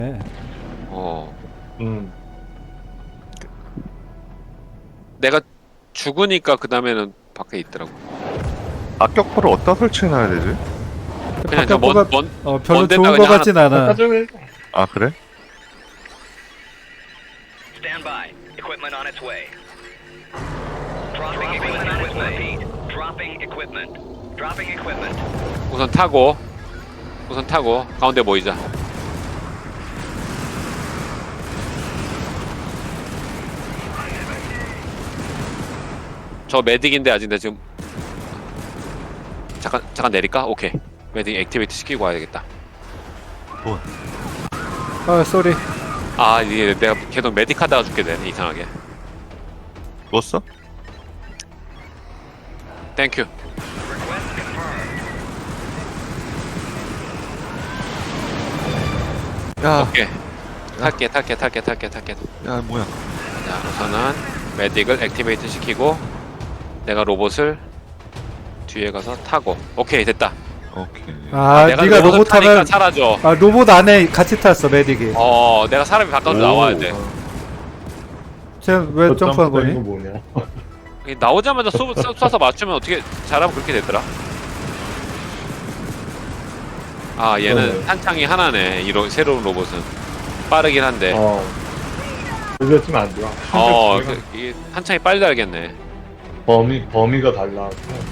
어. 음. 내가 죽으니까 그 다음에는 밖에 있더라고. 악격포를 어디다 설치해놔야 되지? 그냥 저 박격포가 별로 먼 데다 좋은 거 그냥 같진 않아. 아까 전에 아 그래? Stand by. Equipment on its way. Dropping equipment on its way. Dropping equipment. Dropping equipment. 우선 타고 가운데 모이자. 저 메딕인데 아직 나 지금 잠깐 내릴까? 오케이. 메딕 액티베이트 시키고 와야겠다. 아 쏘리. 아 이게 내가 계속 메딕 하다가 죽게 되네 이상하게. 누웠어? 땡큐. 야, 오케이. 탈게. 야 뭐야? 자 우선은 메딕을 액티베이트 시키고 내가 로봇을 뒤에 가서 타고. 오케이 됐다. 오케이. 아 내가 네가 로봇을 로봇 타니까 타면 사라져. 아 로봇 안에 같이 탔어 메딕이. 내가 사람이 바깥으로 나와야 돼. 쟤왜 점프한 이거 거니? 뭐냐? 나오자마자 쏴서 맞추면 어떻게 잘하면 그렇게 되더라. 아 얘는 탄창이 하나네. 새로운 로봇은 빠르긴 한데. 그랬으면 안 좋아. 이게 탄창이 빨리 달겠네. 범위가 달라.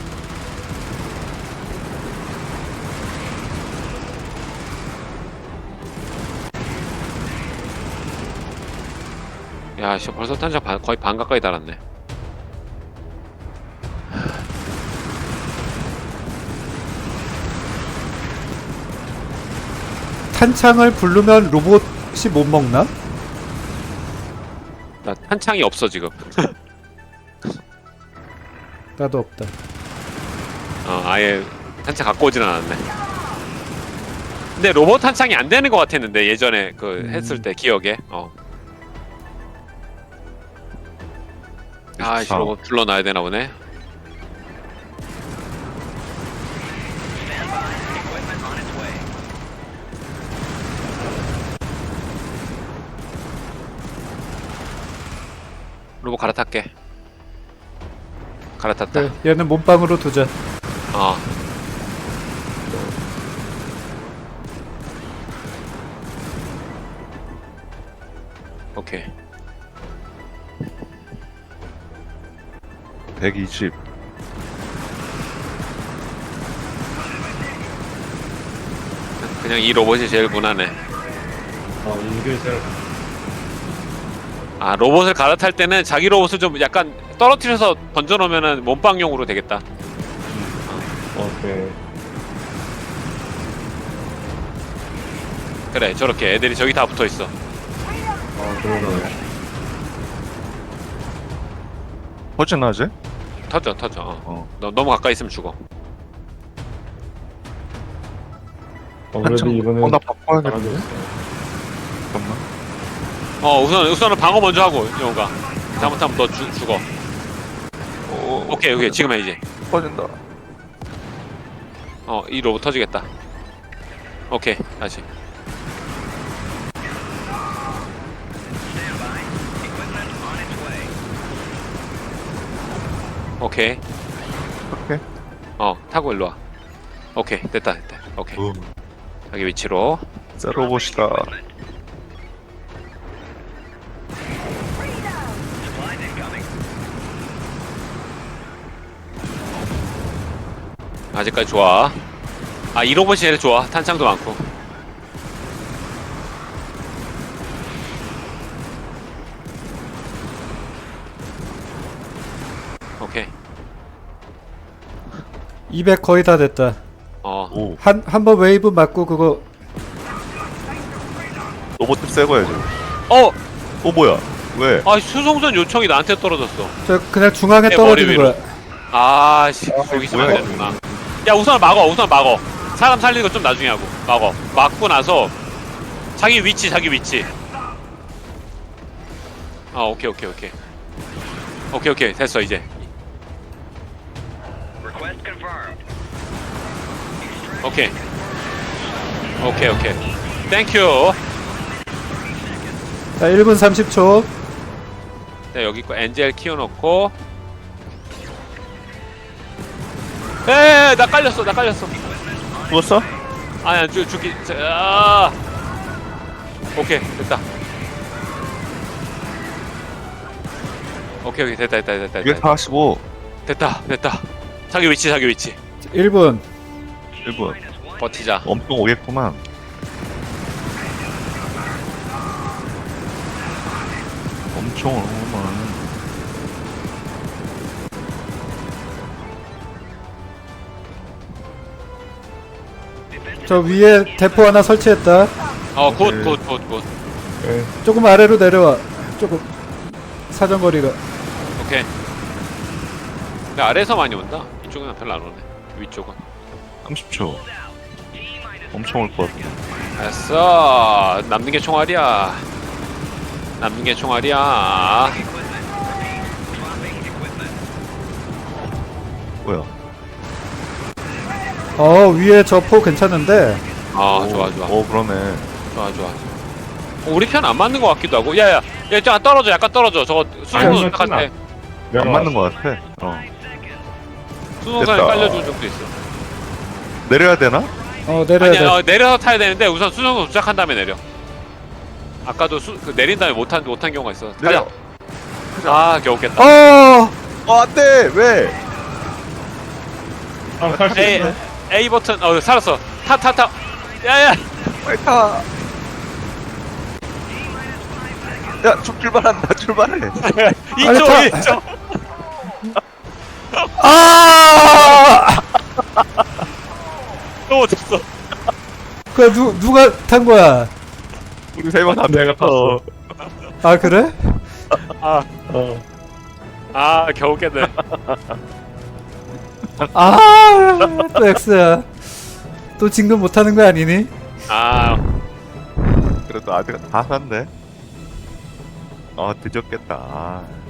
야, 씨, 벌써 탄창 거의 반 가까이 달았네. 탄창을 부르면 로봇이 못 먹나? 나 탄창이 없어 지금. 나도 없다. 아예 탄창 갖고 오진 않았네. 근데 로봇 탄창이 안 되는 것 같았는데 예전에 했을 때 기억에. 아이씨 로봇 불러놔야 되나 보네. Equipment on its way. 로봇 갈아탈게. 갈아탔다. 그래, 얘는 몸빵으로 두자. 어. 오케이. 120. 그냥 이 로봇이 제일 무난해. 이게 제일 로봇을 갈아탈 때는 자기 로봇을 좀 약간 떨어뜨려서 던져놓으면은 몸빵용으로 되겠다. 오케이. 그래, 저렇게 애들이 저기 다 붙어 있어. 그러네. 허전하지? 터져. 너무 가까이 있으면 죽어. 그래도 이번엔 나 바꿔야겠네. 잘하겠어. 잠깐만. 우선은 방어 먼저 하고 영호가. 잘못하면 너 죽어. 오케이 지금 해 이제. 터진다. 이 로봇 터지겠다. 오케이 다시. Stand by. Equipment on its way. 오케이. 오케이. 타고 일로 와. 오케이 됐다. 오케이. 자기 위치로. 자 로봇이다. Equipment. Supplies incoming. 아직까지 좋아. 이 로봇이 제일 좋아. 탄창도 많고. 오케이. 200 거의 다 됐다. 오. 한 번 웨이브 맞고 그거 로봇 새 거야지. 뭐야? 왜? 수송선 요청이 나한테 떨어졌어. 저 그냥 중앙에 내 떨어지는 머리 위로. 거야. 여기 있으면 뭐야, 안 되는구나. 야 우선 막어. 사람 살리는 거 좀 나중에 하고. 막고 나서 자기 위치. 오케이 됐어 이제. Request confirmed. 오케이. 땡큐. 자 1분 30초. 네, 여기 거 엔젤 키워놓고. 나 깔렸어. 죽었어? 아니, 죽기. 아. 오케이, 됐다. 오케이, 됐다. 245 됐다. 자기 위치. 1분. 1분 버티자. 엄청 오겠구만. 엄청 오구만. 저 위에 대포 하나 설치했다. 굿. 네. 조금 아래로 내려와. 조금 사정거리가. 오케이. 근데 아래에서 많이 온다. 이쪽은 별로 안 오네. 위쪽은. 30초. 엄청 올 것 같아. 됐어. 남는 게 총알이야. 뭐야? 위에 저 포 괜찮은데. 좋아. 그러네. 좋아. 우리 편 안 맞는 것 같기도 하고. 야야, 약간 떨어져. 저거 수송선 아니, 같아. 안 맞는 것 같아. 수송선에 됐다. 깔려줄 정도 있어. 내려야 되나? 내려야 돼. 아니, 내려서 타야 되는데 우선 수송선 도착한 다음에 내려. 아까도 내린 다음에 못한 경우가 있어. 내려. 가자. 겨우 깼다. 안돼. 왜? 탈수 A, 있네. A 버튼. 살았어. 타. 야야. 빨리 타. 야, 출발한다. 출발해. 2초. 또 못했어. 그 누가 탄 거야? 우리 세 명 다 내가 탔어. 아 그래? 어. 겨우 깼네. 또 X야. 또 진급 못하는 거 아니니? 그래도 아직 다 샀네. 뒤졌겠다.